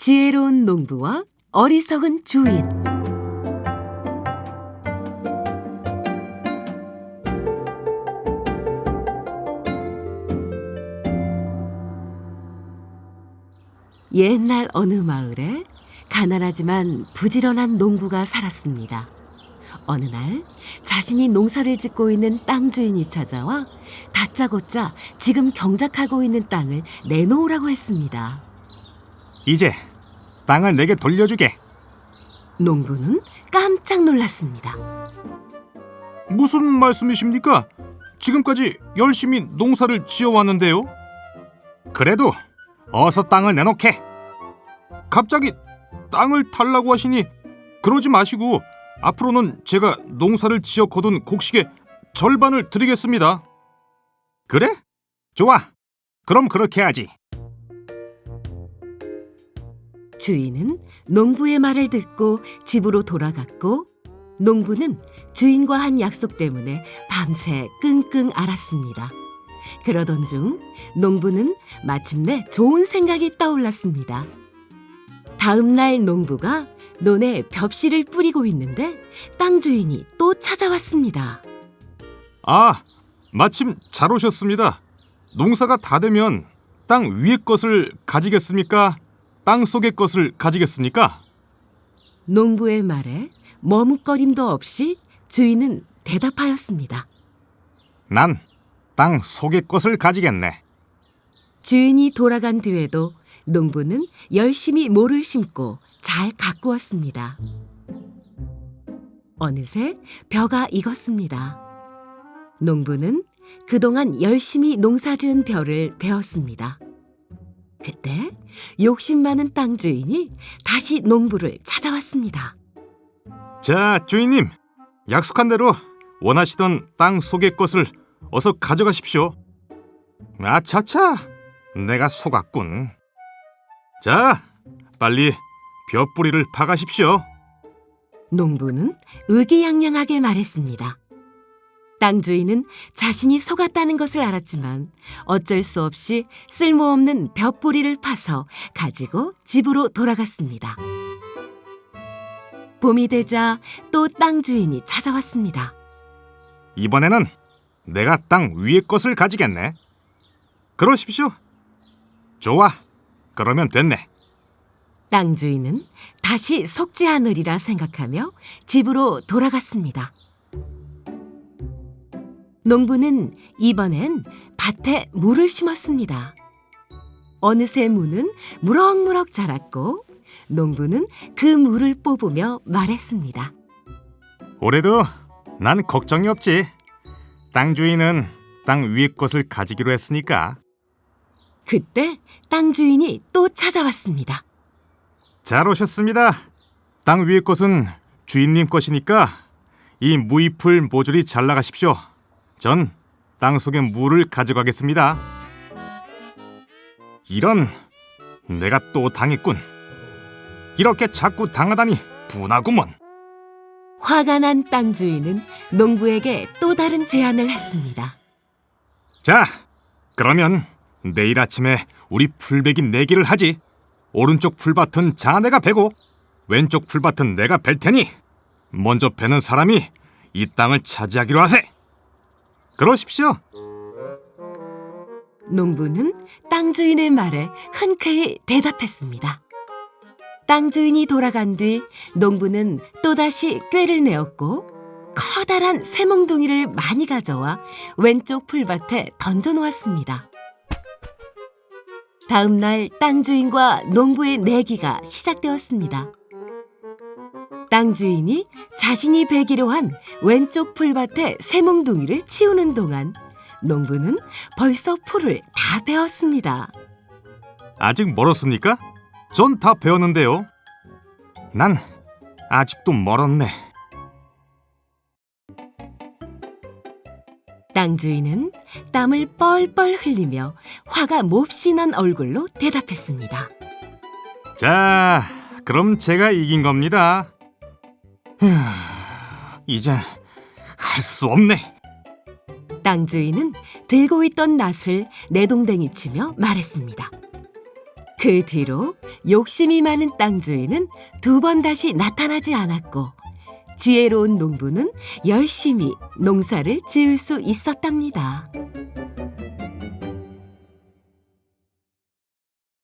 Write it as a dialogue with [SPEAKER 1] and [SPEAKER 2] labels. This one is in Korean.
[SPEAKER 1] 지혜로운 농부와 어리석은 주인. 옛날 어느 마을에 가난하지만 부지런한 농부가 살았습니다. 어느 날 자신이 농사를 짓고 있는 땅 주인이 찾아와 다짜고짜 지금 경작하고 있는 땅을 내놓으라고 했습니다.
[SPEAKER 2] 이제 땅을 내게 돌려주게.
[SPEAKER 1] 농부는 깜짝 놀랐습니다.
[SPEAKER 2] 무슨 말씀이십니까? 지금까지 열심히 농사를 지어왔는데요. 그래도 어서 땅을 내놓게. 갑자기 땅을 달라고 하시니 그러지 마시고 앞으로는 제가 농사를 지어 거둔 곡식의 절반을 드리겠습니다. 그래? 좋아. 그럼 그렇게 하지.
[SPEAKER 1] 주인은 농부의 말을 듣고 집으로 돌아갔고, 농부는 주인과 한 약속 때문에 밤새 끙끙 앓았습니다. 그러던 중 농부는 마침내 좋은 생각이 떠올랐습니다. 다음 날 농부가 논에 벽씨를 뿌리고 있는데 땅 주인이 또 찾아왔습니다.
[SPEAKER 2] 아, 마침 잘 오셨습니다. 농사가 다 되면 땅 위의 것을 가지겠습니까? 땅 속의 것을 가지겠습니까?
[SPEAKER 1] 농부의 말에 머뭇거림도 없이 주인은 대답하였습니다.
[SPEAKER 2] 난 땅 속의 것을 가지겠네.
[SPEAKER 1] 주인이 돌아간 뒤에도 농부는 열심히 모를 심고 잘 가꾸었습니다. 어느새 벼가 익었습니다. 농부는 그동안 열심히 농사지은 벼를 베었습니다. 그때 욕심 많은 땅 주인이 다시 농부를 찾아왔습니다.
[SPEAKER 2] 자, 주인님. 약속한 대로 원하시던 땅 속의 것을 어서 가져가십시오. 아차차, 내가 속았군. 자, 빨리 벼뿌리를 파가십시오.
[SPEAKER 1] 농부는 의기양양하게 말했습니다. 땅 주인은 자신이 속았다는 것을 알았지만 어쩔 수 없이 쓸모없는 벼뿌리를 파서 가지고 집으로 돌아갔습니다. 봄이 되자 또 땅 주인이 찾아왔습니다.
[SPEAKER 2] 이번에는 내가 땅 위의 것을 가지겠네. 그러십시오. 좋아, 그러면 됐네.
[SPEAKER 1] 땅 주인은 다시 속지 않으리라 생각하며 집으로 돌아갔습니다. 농부는 이번엔 밭에 물을 심었습니다. 어느새 무는 무럭무럭 자랐고 농부는 그 물을 뽑으며 말했습니다.
[SPEAKER 2] 올해도 난 걱정이 없지. 땅 주인은 땅 위의 것을 가지기로 했으니까.
[SPEAKER 1] 그때 땅 주인이 또 찾아왔습니다.
[SPEAKER 2] 잘 오셨습니다. 땅 위의 것은 주인님 것이니까 이 무잎을 모조리 잘라가십시오. 전 땅 속의 물을 가져가겠습니다. 이런, 내가 또 당했군. 이렇게 자꾸 당하다니 분하구먼.
[SPEAKER 1] 화가 난 땅 주인은 농부에게 또 다른 제안을 했습니다.
[SPEAKER 2] 자, 그러면 내일 아침에 우리 풀베기 내기를 하지. 오른쪽 풀밭은 자네가 베고 왼쪽 풀밭은 내가 벨 테니 먼저 베는 사람이 이 땅을 차지하기로 하세. 그러십시오.
[SPEAKER 1] 농부는 땅 주인의 말에 흔쾌히 대답했습니다. 땅 주인이 돌아간 뒤 농부는 또다시 꾀를 내었고 커다란 쇠몽둥이를 많이 가져와 왼쪽 풀밭에 던져놓았습니다. 다음 날 땅 주인과 농부의 내기가 시작되었습니다. 땅 주인이 자신이 베기로 한 왼쪽 풀밭에 쇠몽둥이를 치우는 동안 농부는 벌써 풀을 다 베었습니다.
[SPEAKER 2] 아직 멀었습니까? 전 다 베었는데요. 난 아직도 멀었네.
[SPEAKER 1] 땅 주인은 땀을 뻘뻘 흘리며 화가 몹시 난 얼굴로 대답했습니다.
[SPEAKER 2] 자, 그럼 제가 이긴 겁니다. 휴, 이제 할 수 없네.
[SPEAKER 1] 땅 주인은 들고 있던 낫을 내동댕이 치며 말했습니다. 그 뒤로 욕심이 많은 땅 주인은 두 번 다시 나타나지 않았고 지혜로운 농부는 열심히 농사를 지을 수 있었답니다.